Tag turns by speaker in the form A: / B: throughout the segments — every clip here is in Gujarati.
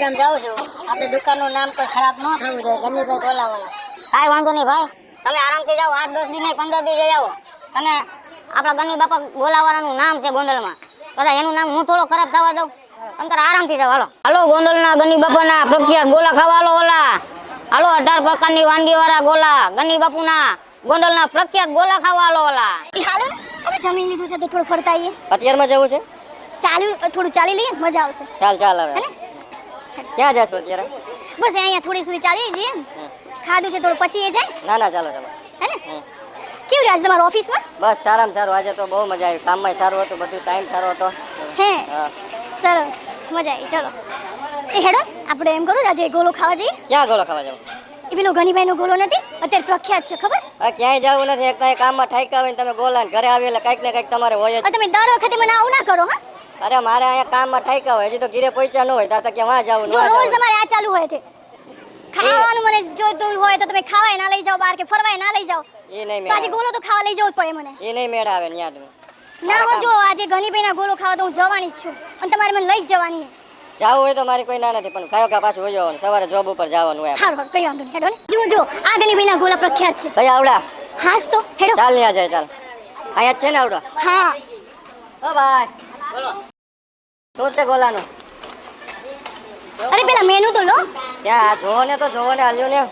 A: આમ જાઉં છું. આપણી દુકાનનું નામ કોઈ ખરાબ ન થવું જોઈએ. ગનીભાઈ ગોલાવાળા.
B: કાંઈ વાંધો નહીં ભાઈ, તમે આરામથી જાઓ. 8-10 દી નહીં 15 દી જઈ આવો. અને આપણા ગની બાપા ગોલાવાળાનું નામ છે ગોંડલમાં. બધા એનું નામ હું થોડો ખરાબ થવા દઉં. અંતર આરામથી જાઓ. હાલો હાલો, ગોંડલના ગની બાપાના પ્રખ્યાત ગોલા ખાવા હાલો. ઓલા હાલો, 18 પ્રકારની વાનગીવાળા ગોલા, ગની બાપુના ગોંડલના પ્રખ્યાત ગોલા ખાવા હાલો. ઓલા
C: હાલો, આપણે જમી લીધું છે તો થોડું ફરતા આવીએ.
B: અત્યારમાં જવું છે?
C: થોડું ચાલી લઈએ, મજા આવશે.
B: ચાલ હવે. ક્યાં જશો અત્યારે?
C: બસ અહીંયા થોડી સુધી ચાલી જઈએ. ખાધું છે થોડું પચી જાય.
B: ના ચાલો
C: હે ને? કેવું રહ્યા તમારા ઓફિસમાં?
B: બસ સારામાં સારું. આજે તો બહુ મજા આવી. કામમાં સારું હતું, બધું ટાઈમ સારો હતો.
C: હે સરસ, મજા આવી. ચલો એ હેડો, આપણે એમ કરું આજે ગોલો ખાવા જઈએ.
B: ક્યાં ગોલો ખાવા જવું?
C: એ પેલો ગનીભાઈનો ગોલો નથી અત્યારે પ્રખ્યાત છે, ખબર?
B: ક્યાંય જવું નથી. એક કામમાં ઠાઈકા હોય ને તમે ગોલા ઘરે આવી એટલે કંઈક ને કંઈક તમારે હોય જ.
C: તમે દર વખતે મને આવું ના કરો. હા,
B: અરે મારે અહીંયા કામમાં ઠાઈકા હોય, હજી તો ઘરે પહોંચ્યા ન હોય તો ક્યાં જવું?
C: જો રોજ તમારે આ ચાલુ હોય છે ખાવાનું, મને જોઈતું હોય તો તમે ખાવાય ના લઈ જાઓ બહાર, કે ફરવાય ના લઈ જાઓ.
B: એ નહીં
C: તો આજે ગોલો તો ખાવા લઈ જવું જ પડે મને.
B: એ નહીં મેળ આવે ન્યા તમે.
C: ના હો, જો આજે ગનીભાઈના ગોલો ખાવા તો હું જવાની જ છું અને તમારે મને લઈ જ જવાની છે.
B: જાવું હોય તો મારી કોઈ ના નથી, પણ ખાયો કા પાછું વહી જવાનું. સવારે જોબ ઉપર જવાનું હોય.
C: હારું, કઈ વાંધો નહીં. હેડો ને. જો આ ગનીભાઈના ગોલા પ્રખ્યાત છે.
B: ભાઈ આવડા.
C: હાસ તો હેડો.
B: ચાલ ન્યા જાય. ચાલ અહીંયા જ છે ને આવડા?
C: હા.
B: ઓ ભાઈ બોલો, શું છે ગોલાનું?
C: અરે પેલા મેનુ તો લો.
B: ત્યાં જોવો ને હાલ્યો ને.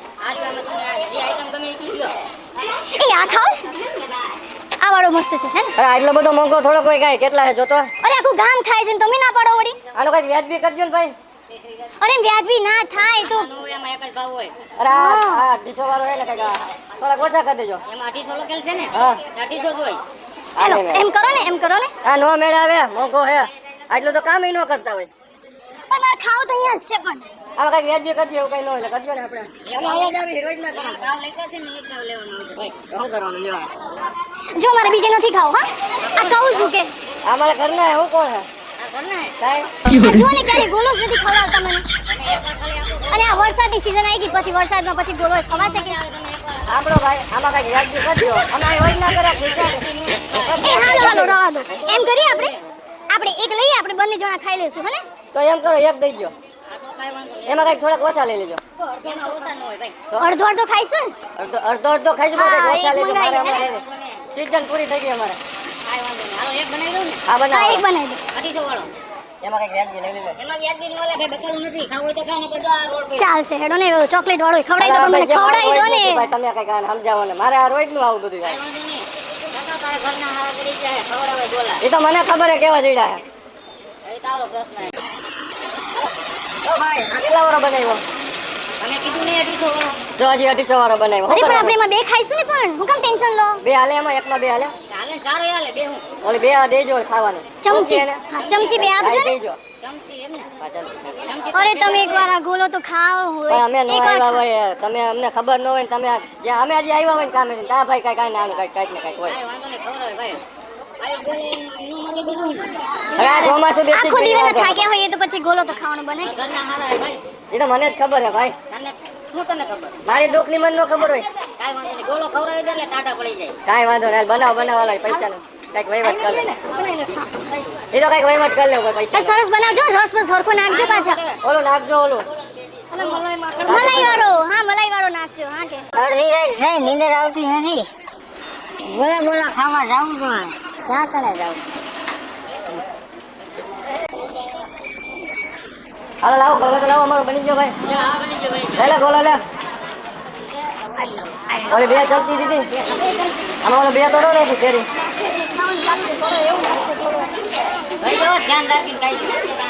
C: એ આ ખાઓ. આ વાળો મસ્ત છે હે ને?
B: અરે આટલો બધો મોંઘો થોડો કોઈ કાંઈ કેટલા છે જોતો?
C: અરે આખું ગામ ખાય છે ને તમે ના પાડો વળી.
B: આનો કંઈક વ્યાજબી કરજો ને ભાઈ.
C: અરે વ્યાજબી ના થાય તો.
B: અરે આ 250 વાળો હે ને કંઈક થોડાક ઓછા કરી દેજો.
D: એમાં 250 લખેલ છે ને?
B: હા
D: 250 જોઈ.
C: હાલો એમ કરો ને.
B: આ નો મેળ આવે, મોંઘો હે. આટલું તો કામ ન કરતા હોય.
C: પણ મારે ખાવ તો અહીંયા જ છે. પણ
B: આ કંઈક વ્યાજબી કરજો, એવું કંઈ ન હોય કરજો ને આપણે. અને અહીંયા જ આવી રોજ ના કામ.
D: ભાવ લખ્યા છે ને એ જ ભાવ લેવાનો છે ભાઈ.
B: શું કરવાનું લ્યો?
C: જો મારે બીજે નથી ખાવ. હા, આ કહું છું કે
B: આ મારા ઘરના હું કોણ હે?
D: આ કર ને.
B: કાંઈ
C: આ જો ને ક્યારે ગોલો જ નથી ખવડાવતા મને. અને આ વરસાદની સીઝન આવી ગઈ, પછી વરસાદમાં પછી ગોળો ખવાશે કે?
B: આપણો ભાઈ આમાં કંઈક વ્યાજબી કરજો. અમે અહીં રોજ ના કર્યા
C: એ હાલો રવા દો. એમ કરીએ આપણે એક લઈએ, આપણે બંને જણા ખાઈ લેશું. હે ને?
B: તો એમ કરો, એક દઈ દો. એમાં કંઈક થોડાક ઓછા લઈ લેજો.
D: એમાં ઓછા ન હોય ભાઈ.
C: અડધો ખાઈશું ને?
B: અડધો ખાઈશું,
C: હા,
B: કંઈક ઓછા
C: એક
B: લેજો.
C: મંગાવી
B: મારે
C: લે.
B: અમારે સીઝન પૂરી થઈ ગઈ અમારે.
D: કાંઈ વાંધો નહીં. હાલો એક બનાવી દઉં ને.
B: આ
C: હા,
B: બનાવો.
C: એક બનાવી દો.
D: 250 વાળો.
B: એમાં કંઈક વ્યાજબી લઈ લેજો.
D: એમાં વ્યાજબી નું વાલા કઈ બકાલું નથી. ખાવું હોય તો ખાય ને તો જો આ રોડ પર.
C: ચાલશે. હેડો ને, ચોકલેટ વાળો ખવડાવી દો. મને ખવડાવી દો ને.
B: ભાઈ તમે કંઈક આને સમજાવો ને. મારે આ રોજ નું આવું બધું થાય.
D: કાંઈ વાંધો નહીં. કાકા તારા ઘરના હારા કરી જાય ખવડાવે ગોલા.
B: એ તો મને ખબર હે કેવા જઈડા હે.
D: એ તારો પ્રશ્ન છે.
B: ઓ ભાઈ આ કેટલા વાળો બનાવ્યો?
D: તમે કીધું ને 250 વાળો.
B: જો હજી 250 વાળો બનાવ્યો.
C: અરે
B: શું
C: પણ આપણે
B: કરવાનું?
C: એમાં બે ખાઈશું ને. પણ હું કેમ ટેન્શન લો?
B: બે હાલે એમાં, એકમાં બે હાલે.
D: ચાલે ચાર હાલે બે હું.
B: ઓલી બે આ દેજો ખાવાની.
C: ચમચી.
B: ઓકે ને?
C: હા, ચમચી બે આપજો
B: હા,
C: ને.
B: દેજો.
D: ચમચી એમ ને.
B: હા, ચમચી.
D: ચમચી
C: અરે તમે એકવાર આ ગોલો તો ખાઓ
B: પણ
C: હોય.
B: અમે નો
C: એકવાર
B: આવ્યા હોય, તમે અમને ખબર ન હોય ને તમે જ્યાં અમે હજી આવ્યા હોય ને કામે તા ભાઈ કાંઈ નાનું કાંઈક ને કાંઈક હોય.
D: કાંઈ વાંધો નહીં ખવડાવે ભાઈ. ભાઈ ગોળો નું મગે દીધું ને.
B: હવે આ ચોમાસું બેસી
C: આખો દિવસ
B: ગયું.
C: થાક્યા હોઈએ તો પછી ગોલો તો ખાવાનું બને.
D: ઘરના હારા હે ભાઈ.
B: એ તો મને જ ખબર હે ભાઈ.
D: તને શું તને ખબર?
B: મારી દુઃખની મને ન ખબર હોય.
D: કાંઈ વાંધો નહીં. ગોળો ખવડાવી દે એટલે ટાટા પડી જાય.
B: કાંઈ વાંધો નહીં. બનાવવાળા પૈસા નો કંઈક વહીવટ કરી લે. એ તો કંઈક વહીવટ કરી લે પૈસા.
C: સરસ બનાવજો. રસ બસ હરખો નાખજો પાછા.
B: ઓલું નાખજો ઓલું.
C: મલાઈ વાળો. હા, મલાઈ વાળો નાખજો. હા કે
A: અડધી રાત છે, નીંદર આવતી નથી. ગોલા ખાવા જાવું જોઈએ. ક્યાં કણે જાવું?
B: હાલો લાવો ગોલો તો લાવો, અમારો બની ગયો ભાઈ. લે ગોલો લે. ઓલી બે ચમચી દીધી. આમાં ઓલો બે તો નો રાખી ફેરી.
D: ભાઈ જો ધ્યાન રાખીને ખાઈ.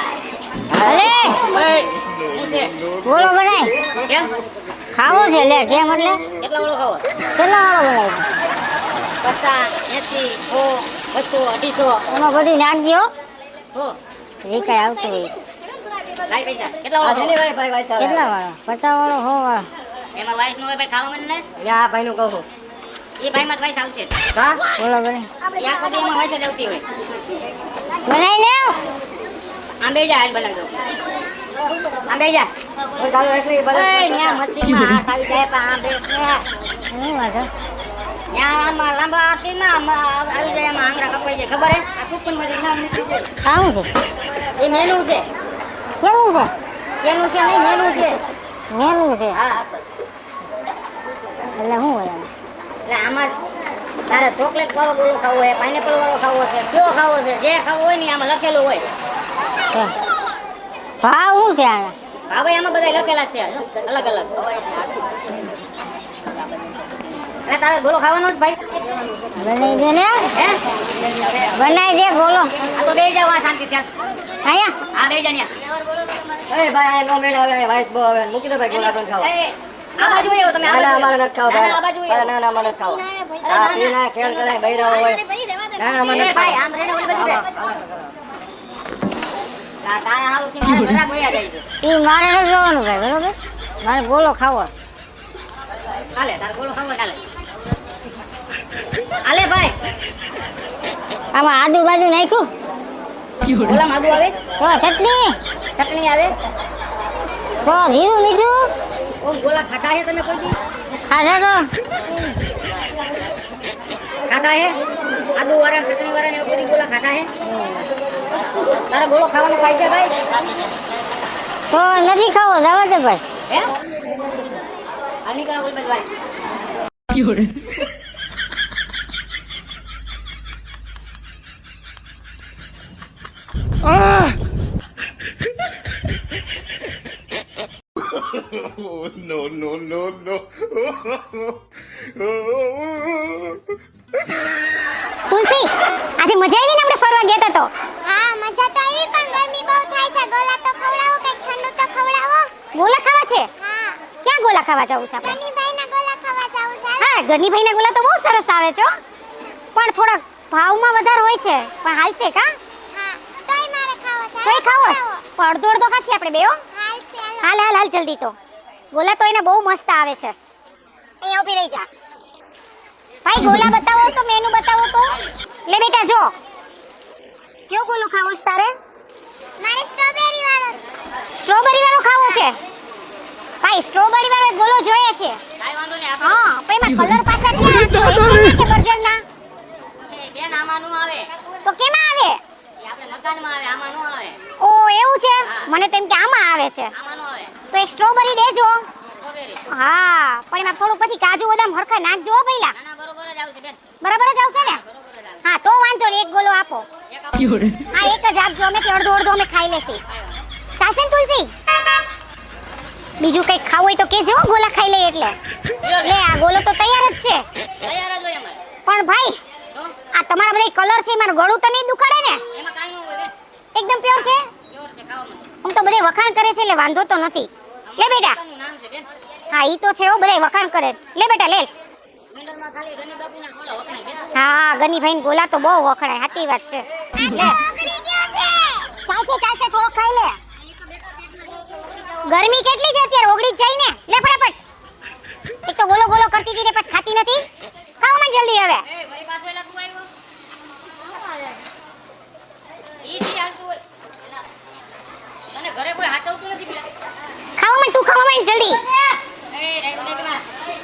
A: અલે
D: શું છે?
A: ગોળો બનાય.
D: કેમ?
A: ખાવો છે લે. કેમ એટલે?
D: કેટલા વાળો ખાવો?
A: કેટલા વાળો બનાવ્યો?
D: 50, 80, 100, 250.
A: એમાં બધી નાખજો.
D: હો.
A: જે કાંઈ આવતું હોય.
D: ભાઈ પૈસા કેટલા
B: આ
D: વાળો
B: છે ને ભાઈ ભાઈ ભાઈ સાહેબ.
A: કેટલા વાળો? 50 વાળો, 100 વાળો.
D: એમાં વાઈસ નો હોય ભાઈ ખાવા મને ને.
B: અહીંયા આ ભાઈનું કહું.
D: એ ભાઈ માં વાઈસ આવશે.
B: હા
A: ગોળો બનાય.
D: ત્યાં સુધી એમાં વાઈસ જ આવતી હોય.
A: બનાવી લે.
D: આમ બે જા હાલ બનાવજો. આમ બે જા.
B: કોઈ ચાલુ રાખી
D: ઓય ન્યા મશીનમાં હાથ આવી જાય પણ આમ બેસ ને.
A: શું વાંધો?
D: ન્યા આમાં લાંબા હાથીમાં આમાં આવી જાય એમાં આંગળા કપાઈ જાય ખબર હે? આ કુપન માંથી નામ નીકળી જાય.
A: ખાવું છે.
D: એ મેનુ છે.
A: કેવું છે?
B: કેનું છે નહીં મેનું છે.
A: મેનું છે
B: હા
A: એટલે શું હોય આમાં?
B: એટલે આમાં તારે ચોકલેટ વાળો ગોળો ખાવો છે, પાઇનેપલ વાળો ખાવો છે, કયો ખાવો છે, જે ખાવો હોય ને આમાં લખેલું હોય.
A: ભાવ શું છે આના?
B: હવે આમાં બધા લખેલા છે અલગ અલગ. એટલે તારે ગોળો ખાવાનો છે ભાઈ?
A: બનાવી દે ને,
B: હે
A: બનાવી દે ગોલો.
B: આ તો બેસી જાવ આ શાંતિ ત્યાં.
A: અહીંયા
B: આ બેસી જા ન્યા.
D: એ ભાઈ આ નો મેળ આવે વાઈસ બહુ આવે મૂકી દો ભાઈ ગોળા પણ ખાવા
B: એ, આ બાજુ આવો તમે.
D: ના ના અમારે નથી ખાવા
B: ના, ના, આ બાજુ
D: ભાઈ ના ના અમારે નથી ખાવા હા પીના ખેલ કરાય બૈરા હોય ના ના અમારે
B: એ
D: નથી
B: ભાઈ
D: ખાવા
B: આમ રેને ઓલી બાજુ બે. તારા હારું થી મારે ઘરાક વયા જાય છે.
A: એ મારે નથી જોવાનું ભાઈ, બરોબર? મારે ગોલો ખાવો.
B: હાલે તારે ગોળો ખાવો હોય, હાલે. હાલે ભાઈ
A: આમાં આદુ બાજુ નાખ્યું
B: ગોળામાં આદુ આવે,
A: તો ચટણી,
B: ચટણી આવે.
A: તો જીરું મીઠું
B: ઓમ ગોળા ખાટા છે તમે કોઈ દી?
A: ખાધા તો
B: ખાટા છે આદુ વાળા ચટણી વાળા ને એવું બધી ગોળા ખાટા છે. તારે ગોળો ખાવાનો ખાય છે ભાઈ?
A: તો નથી ખાવો, જવા દે ભાઈ.
B: હે હાલ નીકળો ઓલી બાજુ ભાઈ.
E: Oh, no, no, no, no.
C: તુલસી આજે મજા આવી ને આપણે ફરવા ગયા તા તો હા મજા તો આવી પણ ગરમી બહુ થાય છે ગોલા તો ખવડાવો કઈ ઠંડુ તો ખવડાવો ગોલા ખાવા છે હા ક્યાં ગોલા ખાવા જવું છે આપણે ગનીભાઈના ગોલા ખાવા જવું છે હા ગનીભાઈના ગોલા તો બહુ સરસ આવે છે હો. પણ થોડા ભાવમાં વધારે હોય છે પણ હાલશે કા હા તોય મારે ખાવો છે તોય ખાવો છે? પણ અડધો અડધો ખાસી આપણે બે હો હાલશે હાલ હાલ હાલ જલ્દી તો ગોલા તો એને બહુ મસ્ત આવે છે અહીંયા ઊભી રહી જા ભાઈ ગોલા બતાવો તો મેનુ બતાવો તો લે બેટા જો કયો ગોલો ખાવો છે તારે મારે સ્ટ્રોબેરી વાળો ખાવો છે ભાઈ સ્ટ્રોબેરી વાળો એક ગોલો જોઈએ છે
B: કાંઈ વાંધો નહીં આપણે
C: હા પણ એમાં કલર પાછા ક્યાં છે એશિયન કે બર્જરના
B: બેન આમાં નું આવે.
C: તો કેમાં આવે
B: એ આપણે મકાનમાં આવે, આમાં નું આવે.
C: ઓ એવું છે મને તો એમ કે આમાં આવે છે
B: આમાં નું આવે.
C: તો એક સ્ટ્રોબેરી દેજો
B: સ્ટ્રોબેરી.
C: હા પણ એમાં થોડું પછી કાજુ બદામ હરખા નાખજો હો પહેલા
B: ના ના બરોબર જ આવશે બેન,
C: બરાબર જ આવશે ને
B: બરોબર જ આવશે.
C: હા તો વાંધો નહીં એક ગોલો આપો
B: એક આપો.
C: હા એક જ આપજો અમે અડધો અડધો અમે ખાઈ લેશી ચાલશે ને તુલસી બીજું કંઈક ખાવું હોય તો કેજો હો, ગોલા ખાઈ લઈએ એટલે લે આ ગોલો તો તૈયાર જ છે
B: તૈયાર જ હોય અમારે.
C: પણ ભાઈ
B: શું?
C: આ તમારા બધા કલર છે મારું ગળું તો નહીં દુખાડે ને
B: એમાં કાંઈ ન હોય બેન.
C: એકદમ પ્યોર છે
B: પ્યોર છે ખાવામાં.
C: આમ તો બધે વખાણ કરે છે એટલે વાંધો તો નથી લે બેટા
B: દુકાનનું નામ છે બેન.
C: હા ઈ તો છે હો બધે વખાણ કરે લે બેટા લે
B: મંડળમાં ખાલી ગની બાપુના ગોળા વખણાય બેન.
C: હા ગનીભાઈ ગોલા તો બહુ વખણાય સાચી વાત છે લે ચાલશે ચાલશે થોડો ખાઈ લે ગરમી કેટલી છે અત્યારે ઓગળી જ જાય ને લે ફટાફટ એક તો ગોલો ગોલો કરતી હતી ને પછી ખાતી નથી ખાઓ મને જલ્દી હવે
B: એ મારી પાસે એલા તું આવ્યો? ઈ થી હાલતું હોય. એલા, તને ઘરે કોઈ હાચવતું નથી પેલા?
C: ખાઓ મને તું ખાવા માંડ જલ્દી
B: એ રાઈટ લેગમાં.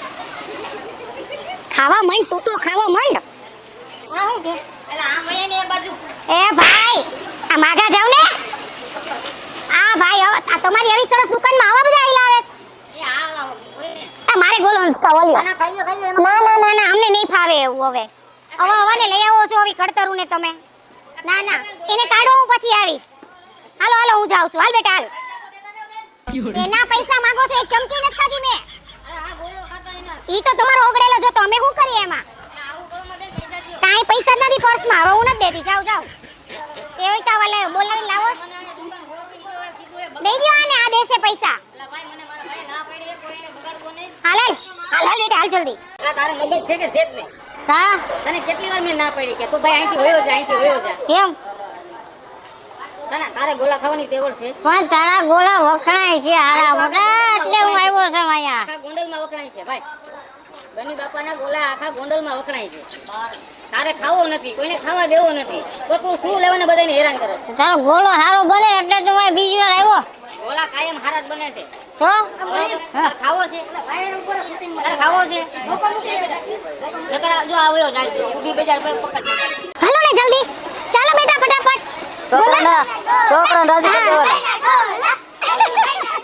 C: ખાવા માંડ તું તો ખાવા માંડ
B: આ શું છે? એલા આમ વહી ને એક બાજુ.
C: એ ભાઈ આ માગા જાવ ને આ ભાઈ આ તમારી આવી સરસ દુકાનમાં આવા બધા આઈલા આવે છે
B: એ આ વહી ને.
C: આ મારે ગોલો કવલ્યો
B: આના ખાઈ લો એમાં.
C: ના ના ના ના અમને નહીં ફાવે એવું હવે હવે હવાને લઈ આવો છો હવે કડતરું ને તમે ના ના એને કાઢો હું પછી આવીશ હાલો હાલો હું જાઉં છું હાલ બેટા હાલ એના પૈસા માંગો છો એક ચમચી નથી ખાધી મેં
B: અરે આ ગોળો ખાતા એના.
C: ઈ તો તમારો ઓગળેલો જો તો અમે શું કરીએ એમાં
B: એટલે આવું કરો માં બેન પૈસા દ્યો.
C: કાંઈ પૈસા જ નથી પર્સમાં હવે હું નથી દેતી જાઓ જાઓ તે હોય તો વાલે બોલાવી લાવો
B: મને આ દુકાન ખોલવી હોય કીધું એ બગડ.
C: દઈ દ્યો આને આ દેશે પૈસા
B: એલા ભાઈ મને મારા ભાઈ ના પાડી એ કોઈ એને બગાડવો નહીં.
C: હાલ હાલ હાલ હાલ બેટા હાલ જલ્દી
B: એલા તારે મગજ છે કે છે જ નહીં?
A: કા
B: તને કેટલી વાર મેં ના પાડી કે તું ભાઈ અહીંથી વયો જા અહીંથી વયો જા.
A: કેમ?
B: તને તારે ગોલા ખાવાની ટેવડ છે.
A: પણ તારા ગોલા વખણાય છે હારા મોટા એટલે હું આવ્યો છું અહીંયા.
B: આખા ગોંડલમાં વખણાય છે ભાઈ. ગની બાપાના ગોલા આખા ગોંડલમાં વખણાય છે. તારે ખાવો નથી, કોઈને ખાવા દેવો નથી, તો તું શું લેવાને બધાને હેરાન કરે છે?
A: તારો ગોલો સારો બને એટલે તો હું બીજી વાર આવ્યો
B: ગોલા કાયમ હારા જ બને છે.
A: તો
B: તારે ખાવો છે? તારે ખાવો છે? નકર આ જો આવ્યો જાય ઊભી બજાર પર પકડ.
C: હાલો ને જલ્દી ચાલો બેટા ફટાફટ
A: છોકરાને રાજી કરવાના.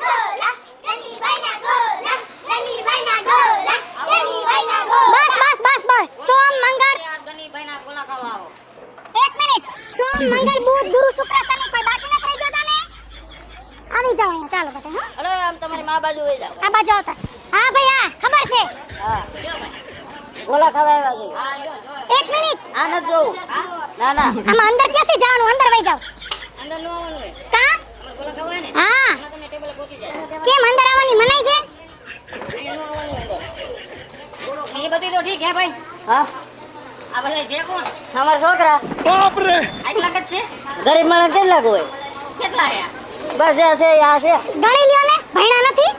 B: ગોલા ખાવા આવ્યા છે.
C: એક મિનિટ
B: આ નથી જોવું. ના ના
C: આમાં અંદર ક્યાંથી જવાનું અંદર વઈ જાવ
B: અંદર નો આવવાનું હોય.
C: કા
B: અમારે ગોલા ખાવા હોય ને
C: હા
B: એમાં તમને ટેબલે પહોંચી જાય.
C: કેમ અંદર આવવાની મનાઈ છે
B: અહીંયા નો આવવાનું હોય અંદર. એ બધું તો ઠીક હે ભાઈ. હા આ બધા છે કોણ? અમારા છોકરા. આટલા જ છે. ગરીબ માણસ કેટલા હોય? કેટલા છે? બસ આ છે આ છે.
C: ગણી લ્યો ને ભણ્યા નથી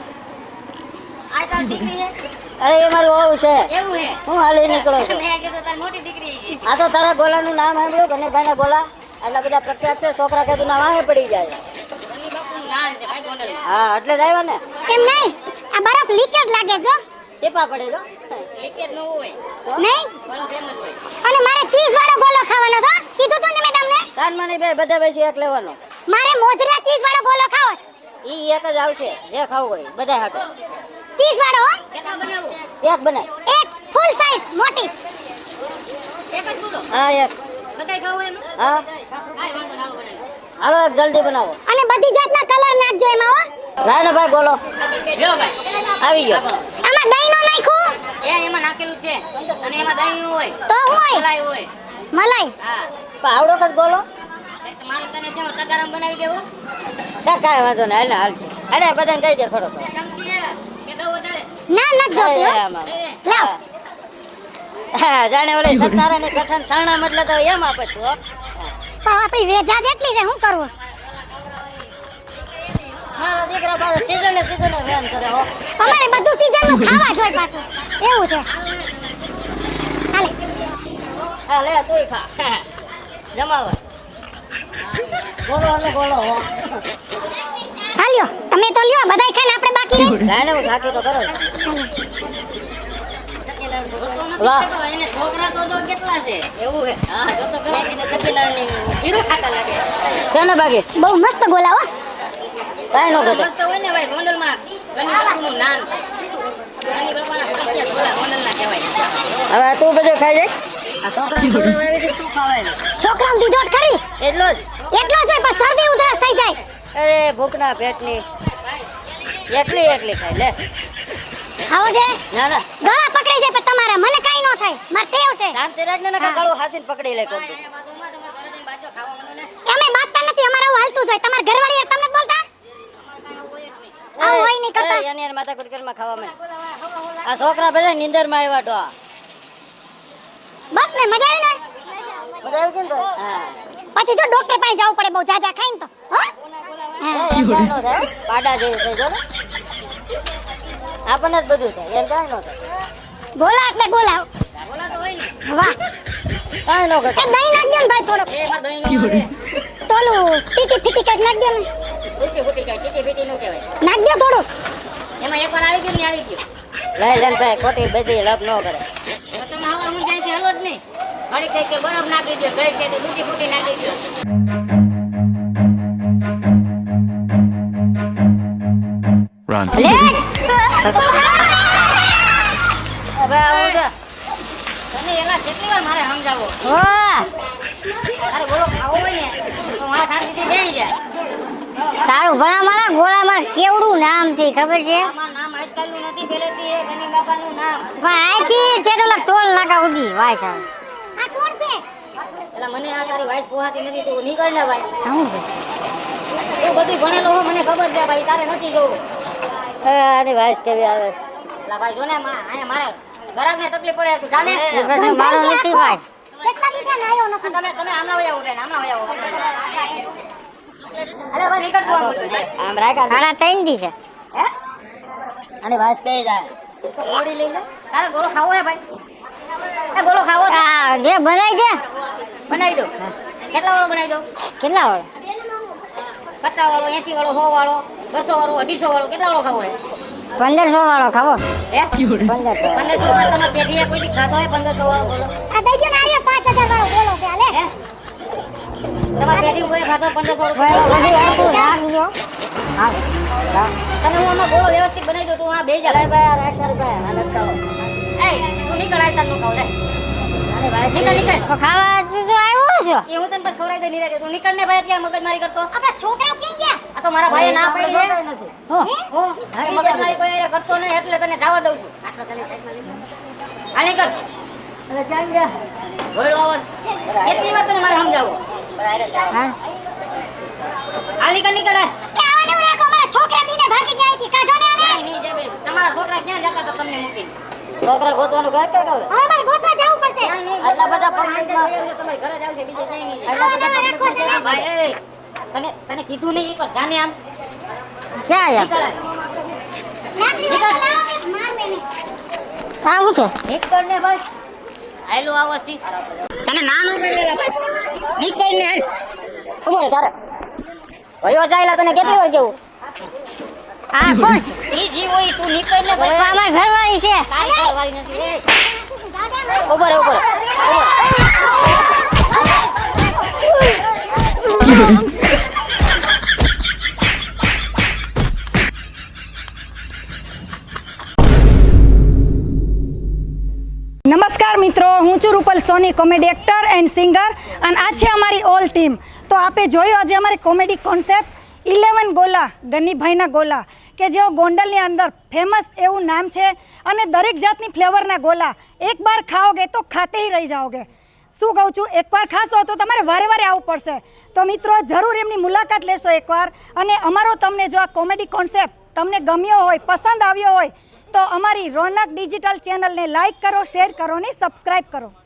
B: આ તાર દીકરી છે? અરે એ મારું વહુ છે. એવું છે? હું હાલી નીકળો છું. મેં કીધું તારી મોટી દીકરી છે. આ તો તારા ગોલાનું નામ સાંભળ્યું ગણેશભાઈના ગોલા આટલા બધા પ્રખ્યાત છે. છોકરા કે તું નામ વાહે પડી જાય. હા એટલે જ આવ્યા ને.
C: એમ નહીં આ બરફ લીકેજ લાગે જો
B: ટીપા પડે જો. લીકેજ ન હોય.
C: નહીં
B: બરફ એમ જ હોય.
C: અને મારે ચીઝ વાળો ગોલો ખાવાનો છે કીધું તું ને મેડમ ને
B: કાનમાની બે બધા બેસી એક લેવાનો.
C: મારે મોજરા ચીઝ વાળો ગોલો ખાવો છે
B: ઈ એક જ આવશે જે ખાવું હોય બધા હાટો.
C: ચીઝ વાળો હો
B: કેટલા બનાવું? એક બનાય.
C: એક ફૂલ સાઈઝ મોટી
B: એક જ બોલો. હા એક. બધાય ખાવું એમ? હા. કાઈ વાંધો ના આવે. હાલો એક જલ્દી બનાવો.
C: અને બધી જાતના કલર નાખજો એમાં હો
B: લાય ને ભાઈ બોલો. લ્યો ભાઈ. આવી ગયો.
C: આમાં દહીં નો નાખ્યું
B: એમાં નાખેલું છે અને એમાં દહીં નું હોય.
C: તો હોય
B: મલાઈ હોય.
C: મલાઈ
B: હા. પાવડો કદ બોલો. મારે તને છે તગારામ બનાવી દેવો. કાઈ વાંધો નહીં હાલ હાલ. અરે બધાને કહી દે થોડો. ચમચી કે દો વધારે.
C: ના ન જોતી હો. લાવ
B: હા જાણે ઓલે સતારાની કથન સાણા મતલબ તો એમ આપે તું હો.
C: પણ આપણી વેજા જેટલી છે શું કરવું
B: મારા દીકરા પાસે સીઝન ને સીઝન વેમ કરે હો.
C: અમારે બધું સીઝન નું ખાવા જોઈએ પાછું એવું છે હાલે
B: હા લે તુંય ખા. જમાવા. બોલો એટલે બોલો હો.
C: હાલ્યો તમે તો લ્યો બધાય ખાઈને આપણે બાકી રહી
B: જાણે હું થાકી તો કરો. વાહ એને છોકરા તો જો કેટલા છે એવું હે. હા જો તો મેં કીધું સતીલાલની જીરું ખાતા લાગે છે ને બાકી.
C: બહુ મસ્ત બોલાવો
B: કાઈ નો ઘટે. મસ્ત હોય ને ભાઈ ગોંડલમાં ગની બાપુનું નામ છે. ગની બાપાના પ્રખ્યાત ગોલા ગોંડલના કહેવાય. હવે તું બધું ખાઈ જાય. આ છોકરાને થોડું આવી રીતે શું ખાવાય?
C: છોકરાને દીધો જ ખરી
B: એટલો જ.
C: એટલો જ હોય પણ શરદી ઉધરસ થઈ જાય
B: અરે ભૂખના પેટની એકલી એકલી ખાય લે.
C: આવો છે
B: ના ના
C: ગળા પકડાઈ જાય પણ તમારા મને કાઈ ન થાય માર ટેવ છે
B: શાંતિ રાખને ને ગળું હાસીને પકડી લે કોક.
C: અમે બાતતા નથી અમારે આવું હાલતું જોઈએ તમાર ઘરવાળી યાર તમને જ બોલતા આવું હોય નહીં કરતા
B: એની યાર માથા કુટકરમાં ખાવા મે. આ છોકરા બધા નીંદરમાં આવ્યા તો.
C: બસ ને મજા આવી ને
B: બધા આવી કેમ તો? હા.
C: પછી જો ડોક્ટર પાસે જવું પડે બહુ જાજા ખાઈને તો હો
B: એમ કાંઈ નો થાય. પાડા જેવું થઈ જો ને. આપણને જ બધું થાય એમ કાંઈ નો થાય.
C: ગોલા એટલે ગોલા
B: બોલા તો હોય ને.
C: વાહ
B: કાંઈ નો
C: એ
B: ઘટે.
C: દહીં નાખ દે ને ભાઈ થોડો
B: એમાં દહીં નો આવે.
C: તોલું ટીટી ફીટી કઈક નાખ દે ને
B: ફૂટી ફૂટી કાંઈ ટીટી ફીટી નો કહેવાય.
C: નાખ દે થોડું
B: એમાં એકવાર આવી ગયું ને આવી ગયું. લઈ લેન ભાઈ ખોટી બધી લપ ન કરે. તમે હવે હું ત્યાંથી હલો જ નહીં. ઘડી કઈ કે બરફ નાખી દો ઘડી કઈ ફૂટી ફૂટી નાખી દો.
F: Run.
B: હવે આવું છે. તને એલા કેટલી વાર મારે સમજાવો. અરે બોલો ખાવો હોય ને તો મારા શાંતિથી બેસી જાય.
A: તારું ભલા મારા ગોળામાં કેવડું નામ છે ખબર છે
B: આમાં નામ આજકાલનું નથી પહેલેથી એ ગની બાપાનું નામ.
A: પણ આથી છેટલા તોલ નાકા ઉડી વાય સાહેબ
C: આ કોણ છે
B: એટલે મને આ તારી વાઈફ પોહાતી નથી તું નીકળ ને ભાઈ.
A: શું છે
B: તું બધું ભણેલો હો મને ખબર છે ભાઈ તારે નથી જોવું. આની વાઈફ કેવી આવે. એટલે ભાઈ જો ને અહીંયા મારે ઘરાકને તકલીફ પડે તું જાને.
A: પછી મારો નથી ભાઈ
C: કેટલા દીધા ને આવ્યો નથી
B: તમે આમના વયા ઉભે ને આમના વયા ઉભે. અરે ભાઈ નીકળ તું આમ રાખા.
A: સાડા 3 દી છે
B: હે અને વાસ પે જાય તો ઓડી લઈ લે. તારે ગોળો ખાવો હે ભાઈ? એ ગોળો ખાવો છે?
A: આ જે બનાવી દે
B: બનાવી દો. કેટલા વાળો બનાવી દો?
A: કેટલા વાળો
B: 50 વાળો 80 વાળો 100 વાળો 200 વાળો 250 વાળો કેટલા વાળો ખાવો હે?
A: 1500 વાળો ખાવો
B: હે
A: 1500
B: 1500 વાળો તમે પેઢીએ કોઈ ખાતો હોય 1500 વાળો બોલો.
C: આ દઈ દો ને આર્ય 5000 વાળો બોલો છે હાલે
B: હે તમારે પેઢી કોઈ ખાતો 1500
A: ભાઈ
B: વાળો.
A: બધી આખું રાખજો હા
B: તમે હું આમાં ગોળો વ્યવસ્થિત બનાવી દો તું આ બે જા. ભાઈ રાખ તારી ભાઈ હાલત કરો. એ તું નીકળ આય તાર નું ખાવ લે. અરે ભાઈ નીકળ નીકળ.
A: તો ખાવા તું તો આવ્યો છો
B: એ હું તને બસ ખવડાવી દે નીરે તું નીકળ ને ભાઈ અત્યારે મગજમારી કરતો.
C: આપણા છોકરાઓ ક્યાં ગયા
B: આ તો મારા ભાઈએ ના પાડી છે.
A: હો
B: હું મગજમારી કોઈ હારે કરતો નહીં એટલે તને જવા દઉં છું. આટલા ખાલી સાઈડમાં લઈ લે. આ નીકળ
A: અરે ચાલ જા
B: ઘોડો આવો કેટલી વાર તને મારે સમજાવો
A: હા
B: આ નીકળ નીકળ
C: એ આવવાનું રાખો મારા છોકરા બીને ભાગી ગયા અહીંથી કાઢો ને આને
B: નહીં નહીં જબે તમારા છોકરા ક્યાં જતા હતા તમને મૂકીને છોકરા ગોતવાનું ઘર કે કહું
C: હવે મારે ગોતવા જવું પડશે
B: આટલા બધા પબ્લિકમાં તમારે ઘરે જ આવશે બીજે ક્યાંય નહીં
C: આટલા બધા રાખો છે.
B: ભાઈ એ તને કીધું નહીં એકવાર જાને આમ
A: ક્યાં યાર
B: નીકળ
C: લાકડી વાળા લાવો, માર મેને
A: આવું છે
B: નીકળ ને ભાઈ આયલો આવસથી તને ના નો પડેલા ભાઈ નીકળ ને હાલ ઉભો રે તારે ભયો જાયલા તને કેટલી વાર કેવું
A: આ કોણ છે
B: ત્રીજી હોય તું નીકળ ને
A: ઓય,
B: ભાઈ
A: અમાર ઘરવાળી છે
B: કાઈ કરવાની નથી ઉભો રે ઉભો રે
G: નમસ્કાર મિત્રો, હું છું Rupal Soni, comedy actor and singer, અને આ છે અમારી ઓલ ટીમ. તો આપે જોયું આજે અમારી કોમેડી કોન્સેપ્ટ 11 ગોલા, ગનીભાઈના ગોલા, કે જેઓ ગોંડલની અંદર ફેમસ એવું નામ છે અને દરેક જાતની ફ્લેવરના ગોલા એકવાર ખાઓગે તો ખાતે ही રહી જાઓગે. શું કહું છું, એકવાર ખાશો તો તમારે વારે વારે આવવું પડશે. તો મિત્રો જરૂર એમની મુલાકાત લેશો એકવાર. અને અમારો તમને જો આ કોમેડી કોન્સેપ્ટ તમને ગમ્યો હોય, પસંદ આવ્યો હોય, તો અમારી રોનક ડિજિટલ ચેનલને લાઈક કરો, શેર કરો અને સબસ્ક્રાઈબ કરો.